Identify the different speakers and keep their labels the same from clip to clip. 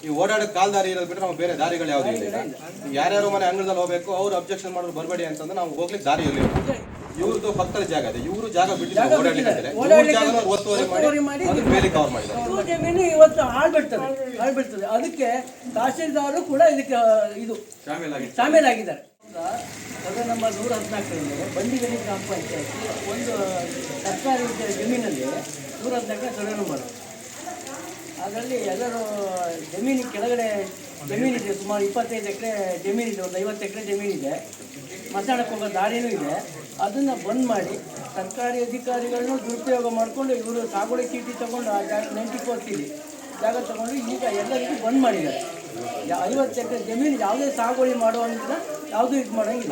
Speaker 1: ಈ ಓಡಾಡೋ ಕಾಲ್ ದಾರಿ ಇರೋದು ಬಿಟ್ಟರೆ ನಾವು ಬೇರೆ ದಾರಿಗಳು ಯಾವುದೂ ಇಲ್ಲ. ಯಾರ್ಯಾರು ಮನೆ ಅಂಗಳದಲ್ಲಿ ಹೋಗ್ಬೇಕು ಅವ್ರು ಅಬ್ಜೆಕ್ಷನ್ ಮಾಡೋದು ಬರಬೇಡಿ ಅಂತಂದ್ರೆ ನಾವು ಹೋಗ್ಲಿಕ್ಕೆ ದಾರಿ ಇರಲಿಲ್ಲ. ಇವ್ರದ್ದು ಪಕ್ಕದ ಜಾಗ ಇದೆ, ಇವರು ಜಾಗ ಬಿಟ್ಟಿದ್ದಾರೆ ಓಡಾಡಲಿಕ್ಕೆ ಒತ್ತುವರಿ ಮಾಡಿ ಅದಕ್ಕೆ ಬೇಲಿ ಕವರ್ ಮಾಡಿದ್ದಾರೆ.
Speaker 2: ಜಮೀನು ಇವತ್ತು ಹಾಳ್ಬಿಡ್ತದೆ. ಅದಕ್ಕೆ ತಹಶೀಲ್ದಾರರು ಕೂಡ ಇದಕ್ಕೆ ಇದು ಶಾಮೀಲಾಗಿದ್ದಾರೆ. ಸರ್ವೆ ನಂಬರ್ 114 ಬಂಡಿಗಣಿ ಗ್ರಾಮ ಪಂಚಾಯತಿ ಒಂದು ಸರ್ಕಾರಿ ಜಮೀನಲ್ಲಿ 114 ಸರ್ವೆ ನಂಬರ್. ಅದರಲ್ಲಿ ಎಲ್ಲರೂ ಜಮೀನಿಗೆ ಕೆಳಗಡೆ ಜಮೀನಿದೆ, ಸುಮಾರು 25 ಎಕರೆ ಜಮೀನಿದೆ, ಒಂದು 50 ಎಕರೆ ಜಮೀನಿದೆ. ಮಸಾಣಕ್ಕೆ ಹೋಗೋ ದಾರಿನೂ ಇದೆ. ಅದನ್ನು ಬಂದ್ ಮಾಡಿ ಸರ್ಕಾರಿ ಅಧಿಕಾರಿಗಳನ್ನೂ ದುರುಪಯೋಗ ಮಾಡಿಕೊಂಡು ಇವರು ಸಾಗುವಳಿ ಚೀಟಿ ತಗೊಂಡು ಆ ಜಾಗ 94 ಚೀಟಿ ಜಾಗ ತಗೊಂಡು ಈಗ ಎಲ್ಲರಿಗೂ ಬಂದ್ ಮಾಡಿದ್ದಾರೆ. 50 ಎಕರೆ ಜಮೀನು ಯಾವುದೇ ಸಾಗುವಳಿ ಮಾಡುವಂಗಿಲ್ಲ, ಯಾವುದೂ ಇದು ಮಾಡೋಂಗಿಲ್ಲ.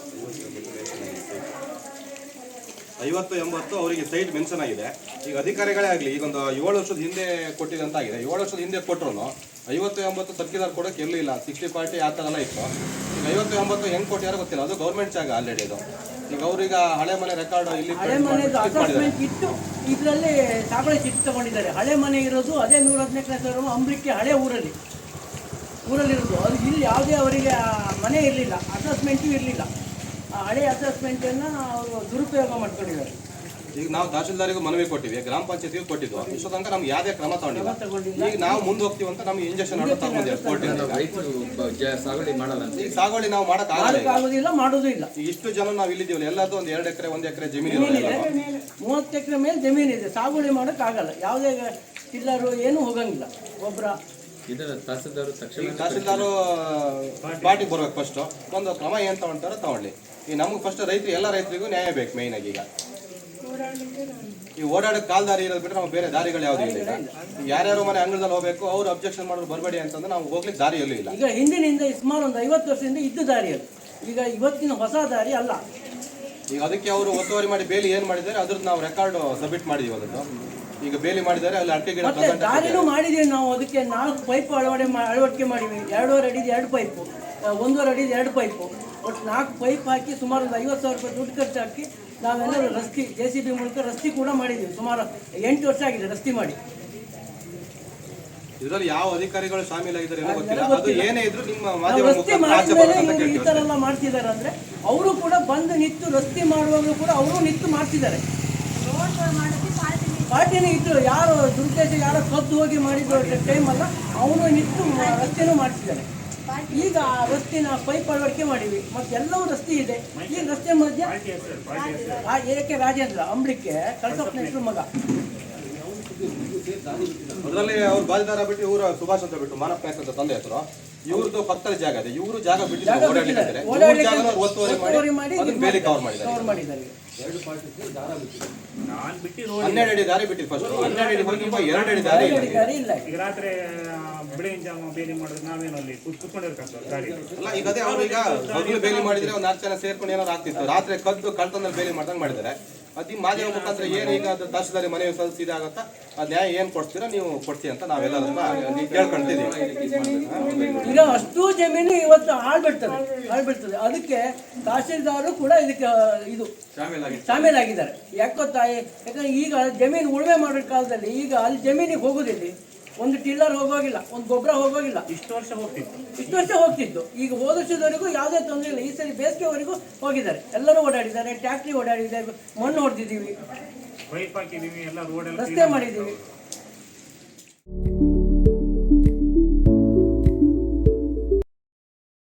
Speaker 1: 50-80 ಅವರಿಗೆ ಸೈಟ್ ಮೆನ್ಷನ್ ಆಗಿದೆ. ಈಗ ಅಧಿಕಾರಿಗಳೇ ಆಗಲಿ ಈಗ ಒಂದು 7 ವರ್ಷದ ಹಿಂದೆ ಕೊಟ್ಟಿದಂತ ಆಗಿದೆ. 7 ವರ್ಷದ ಹಿಂದೆ ಕೊಟ್ಟರು 50-80 ತರ್ಕಿದಾರ ಕೊಡೋಕೆ ಎಲ್ಲೂ ಇಲ್ಲ. 60-40 ಆ ಥರ ಎಲ್ಲ ಇತ್ತು. ಈಗ 50-80 ಹೆಂಗೆ ಕೊಟ್ಟಿಯಾರೋ ಗೊತ್ತಿಲ್ಲ. ಅದು ಗೌರ್ಮೆಂಟ್ ಜಾಗ ಆಲ್ರೆಡಿ ಇದು. ಈಗ ಅವ್ರೀಗ ಹಳೆ ಮನೆ ರೆಕಾರ್ಡ್ ಇಲ್ಲಿ
Speaker 2: ಹಳೆ ಮನೆದು ಅಸೆಸ್ಮೆಂಟ್ ಇತ್ತು, ಇದರಲ್ಲಿ ಸಾಗುವಳಿ ಚೀಟಿ ತಗೊಂಡಿದ್ದಾರೆ. ಹಳೆ ಮನೆ ಇರೋದು ಅದೇ 114 ಅಂಬ್ರಿಕೆ ಹಳೆ ಊರಲ್ಲಿರೋದು. ಅದು ಇಲ್ಲಿ ಯಾವುದೇ ಅವರಿಗೆ ಮನೆ ಇರಲಿಲ್ಲ, ಅಸೆಸ್ಮೆಂಟು ಇರಲಿಲ್ಲ. ಆ ಹಳೆ ಅಸೆಸ್ಮೆಂಟನ್ನು ಅವರು ದುರುಪಯೋಗ ಮಾಡ್ಕೊಂಡಿದ್ದಾರೆ.
Speaker 1: ಈಗ ನಾವು ತಹಶೀಲ್ದಾರಿಗೂ ಮನವಿ ಕೊಟ್ಟಿವಿ, ಗ್ರಾಮ ಪಂಚಾಯತಿಗೂ ಕೊಟ್ಟಿದ್ವು. ಇಷ್ಟು ತನಕ ನಮ್ಗೆ ಯಾವುದೇ ಕ್ರಮ ತಗೊಂಡಿಲ್ಲ. ಈಗ ನಾವು ಮುಂದೆ ಹೋಗ್ತೀವಿ ಅಂತ ನಮ್ಗೆ ಇಂಜೆಕ್ಷನ್ ತಗೊಂಡಿದ್ದೀವಿ ಕೋರ್ಟಿಂದ. ಈಗ ಸಾಗುವಳಿ ನಾವು
Speaker 2: ಮಾಡೋಕ್ಕಾಗೋದಿಲ್ಲ, ಮಾಡೋದು ಇಲ್ಲ.
Speaker 1: ಈಗ ಇಷ್ಟು ಜನ ನಾವು ಇಲ್ಲಿದ್ದೀವಲ್ಲ, ಎಲ್ಲದೂ ಒಂದು 2 ಎಕರೆ 1 ಎಕರೆ ಜಮೀನು ಇದೆ,
Speaker 2: 30 ಎಕರೆ ಮೇಲೆ ಜಮೀನಿದೆ. ಸಾಗುವಳಿ ಮಾಡೋಕ್ಕಾಗಲ್ಲ, ಯಾವುದೇ ಟಿಲ್ಲರು ಏನೂ ಹೋಗಂಗಿಲ್ಲ. ಗೊಬ್ಬರ
Speaker 1: ತಹಶೀಲ್ದಾರು ಪಾರ್ಟಿಗೆ ಬರ್ಬೇಕು. ಫಸ್ಟ್ ಒಂದು ಕ್ರಮ ಏನು ತಗೊಳ್ತಾರೋ ತಗೊಳ್ಳಿ. ಈಗ ನಮ್ಗೆ ಫಸ್ಟ್ ಎಲ್ಲ ರೈತರಿಗೂ ನ್ಯಾಯ ಬೇಕು ಮೇಯ್ನ್ ಆಗಿ. ಈಗ ಈ ಓಡಾಡೋ ಕಾಲ್ ದಾರಿ ಇರೋದು ಬಿಟ್ಟರೆ ನಾವು ಬೇರೆ ದಾರಿಗಳು ಯಾವುದೂ ಇಲ್ಲ. ಯಾರ್ಯಾರು ಮನೆ ಅಂಗಳದಲ್ಲಿ ಹೋಗ್ಬೇಕು ಅವ್ರು ಅಬ್ಜೆಕ್ಷನ್ ಮಾಡೋದು ಬರಬೇಡಿ ಅಂತಂದ್ರೆ ನಾವು ಹೋಗ್ಲಿಕ್ಕೆ ದಾರಿ ಎಲ್ಲೂ ಇಲ್ಲ.
Speaker 2: ಈಗ ಹಿಂದಿನಿಂದ ಸುಮಾರು ಒಂದು 50 ವರ್ಷದಿಂದ ಇದ್ದ ದಾರಿ ಅದು. ಈಗ ಇವತ್ತಿನ ಹೊಸ ದಾರಿ ಅಲ್ಲ.
Speaker 1: ಈಗ ಅದಕ್ಕೆ ಅವರು ಒತ್ತುವರಿ ಮಾಡಿ ಬೇಲಿ ಏನು ಮಾಡಿದ್ದಾರೆ ಅದ್ರದ್ದು ನಾವು ರೆಕಾರ್ಡ್ ಸಬ್ಮಿಟ್ ಮಾಡಿದೀವಿ. ಅದನ್ನು ಈಗ ಬೇಲಿ ಮಾಡಿದ್ದಾರೆ, ಅಲ್ಲಿ ಅಡಿಕೆ ಗಿಡ
Speaker 2: ದಾರಿನೂ ಮಾಡಿದೀವಿ ನಾವು. ಅದಕ್ಕೆ 4 ಪೈಪ್ ಅಳವಡಿಕೆ ಮಾಡಿವಿ. 2.5 ಅಡಿದು 2 ಪೈಪು, 1.5 ಅಡಿದು 2 ಪೈಪು, ಒಟ್ಟು 4 ಪೈಪ್ ಹಾಕಿ ಸುಮಾರು ಒಂದು 50,000 ರೂಪಾಯಿ ದುಡ್ಡು ಖರ್ಚು ಹಾಕಿ ನಾವೆಲ್ಲರೂ ರಸ್ತೆ JCB ಮೂಲಕ ರಸ್ತೆ ಕೂಡ ಮಾಡಿದ್ದೀವಿ. ಸುಮಾರು 8 ವರ್ಷ ಆಗಿದೆ ರಸ್ತೆ ಮಾಡಿ.
Speaker 1: ಇದರಲ್ಲಿ ಯಾವ ಅಧಿಕಾರಿಗಳು ಶಾಮೀಲಾಗಿದ್ದಾರೆ ಗೊತ್ತಿಲ್ಲ. ಅದು ಏನೇ ಇದ್ರು ನಿಮ್ಮ
Speaker 2: ರಸ್ತೆ ಮಾಡಿದ್ಮೇಲೆ ಈ ಥರ ಎಲ್ಲ ಮಾಡ್ತಿದ್ದಾರೆ ಅಂದರೆ ಅವರು ಕೂಡ ಬಂದು ನಿಂತು ರಸ್ತೆ ಮಾಡುವಾಗಲೂ ಕೂಡ ಅವರು ನಿಂತು ಮಾಡ್ತಿದ್ದಾರೆ. ಪಾರ್ಟಿನೇ ಇತ್ತು, ಯಾರು ದುರುದ್ದೇಶ ಯಾರೋ ಕದ್ದು ಹೋಗಿ ಮಾಡಿದ ಟೈಮ್ ಅಲ್ಲ, ಅವನು ನಿಂತು ರಸ್ತೆನೂ ಮಾಡ್ತಿದ್ದಾರೆ. ಈಗ ರಸ್ತೆನ ಪೈಪ್ ಅಳವಡಿಕೆ ಮಾಡಿವಿ, ಮತ್ತೆ ಎಲ್ಲವೂ ರಸ್ತೆ ಇದೆ. ಈ ರಸ್ತೆ ಮಧ್ಯ ಏಕೆ ರಾಜೇಂದ್ರ ಅಂಬ್ಳಿಕೆ ಕಳಸಪ್ಪನ ಮಗ,
Speaker 1: ಅದರಲ್ಲಿ ಅವ್ರು ಬಾಲಿದಾರ ಬಿಟ್ಟು ಇವರು ಸುಭಾಷ್ ಅಂತ ಬಿಟ್ಟು ಮಾನಪ್ಪ ನಾಯ್ಕ ಅಂತ ತಂದೆ ಹೆಸರು. ಇವ್ರದ್ದು ಪಕ್ಕದ ಜಾಗ ಇದೆ, ಇವರು ಜಾಗ ಬಿಟ್ಟು ಒತ್ತುವರಿ ಮಾಡಿ ಬೇಲಿ ಕವರ್ ಮಾಡಿದ್ದಾರೆ. 12 ಅಡಿ ದಾರಿ ಬಿಟ್ಟಿದ್ದು ಫಸ್ಟ್. 12 ಅಡಿ ಹೋಗಿ 2 ಅಡಿ ದಾರಿ ಇಲ್ಲ.
Speaker 3: ಈಗ ರಾತ್ರಿ ಬೆಳಗಿನ ಜಾವ ಬೇಲಿ ಮಾಡಿದ್ರೆ ನಾವೇನು ಅಲ್ಲಿ ಕುತ್ಕೊಂಡಿರ್ತಾರೆ ಗಾಡಿ
Speaker 1: ಅಲ್ಲ. ಈಗ ಅದೇ ಅವ್ರು ಈಗ ಮೊದಲು ಬೇಲಿ ಮಾಡಿದ್ರೆ ಒಂದು 4 ಜನ ಸೇರ್ಕೊಂಡು ಏನಾದ್ರು ಆಗ್ತಿತ್ತು. ರಾತ್ರಿ ಕದ್ದು ಕಳ್ತಂದಲ್ಲಿ ಬೇಲಿ ಮಾಡ್ದಂಗೆ ಮಾಡಿದ್ದಾರೆ. ಅದು ಈ ಮಾಧ್ಯಮ ಮುಖಾಂತರ ಏನು ಈಗ ಅದು ತಹಶೀಲ್ದಾರಿ ಮನವಿ ಸಲ್ಲಿಸಿದ ಆಗುತ್ತಾ ಅದು ನ್ಯಾಯ ಏನು ಕೊಡ್ತೀರಾ ನೀವು ಕೊಡ್ತೀವಿ ಅಂತ ನಾವೆಲ್ಲರನ್ನ ಕೇಳ್ಕೊಂತಿದ್ದೀವಿ.
Speaker 2: ಈಗ ಅಷ್ಟು ಜಮೀನು ಇವತ್ತು ಹಾಳ್ಬಿಡ್ತದೆ. ಅದಕ್ಕೆ ತಹಶೀಲ್ದಾರರು ಕೂಡ ಇದಕ್ಕೆ ಇದು ಶಾಮೀಲಾಗಿದ್ದಾರೆ. ಯಾಕಂದ್ರೆ ಈಗ ಜಮೀನು ಉಳುಮೆ ಮಾಡೋ ಕಾಲದಲ್ಲಿ ಈಗ ಅಲ್ಲಿ ಜಮೀನಿಗೆ ಹೋಗೋದಿಲ್ಲ, ಒಂದು ಟಿಲ್ಲರ್ ಹೋಗೋಗಿಲ್ಲ, ಒಂದು ಗೊಬ್ಬರ ಹೋಗೋಗಿಲ್ಲ.
Speaker 3: ಇಷ್ಟು ವರ್ಷ
Speaker 2: ಹೋಗ್ತಿತ್ತು. ಈಗ ಹೋದ ವರ್ಷದವರೆಗೂ ಯಾವುದೇ ತೊಂದರೆ ಇಲ್ಲ. ಈ ಸರಿ ಬೇಸಿಗೆವರೆಗೂ ಹೋಗಿದ್ದಾರೆ, ಎಲ್ಲರೂ ಓಡಾಡಿದ್ದಾರೆ. ಟ್ಯಾಕ್ಟ್ರಿ ಓಡಾಡಿದ್ದಾರೆ, ಮಣ್ಣು ಹೊಡೆದಿದ್ದೀವಿ,
Speaker 3: ಪೈಪ್ ಹಾಕಿದ್ದೀವಿ, ಎಲ್ಲ ರೋಡ್
Speaker 2: ರಸ್ತೆ ಮಾಡಿದ್ದೀವಿ.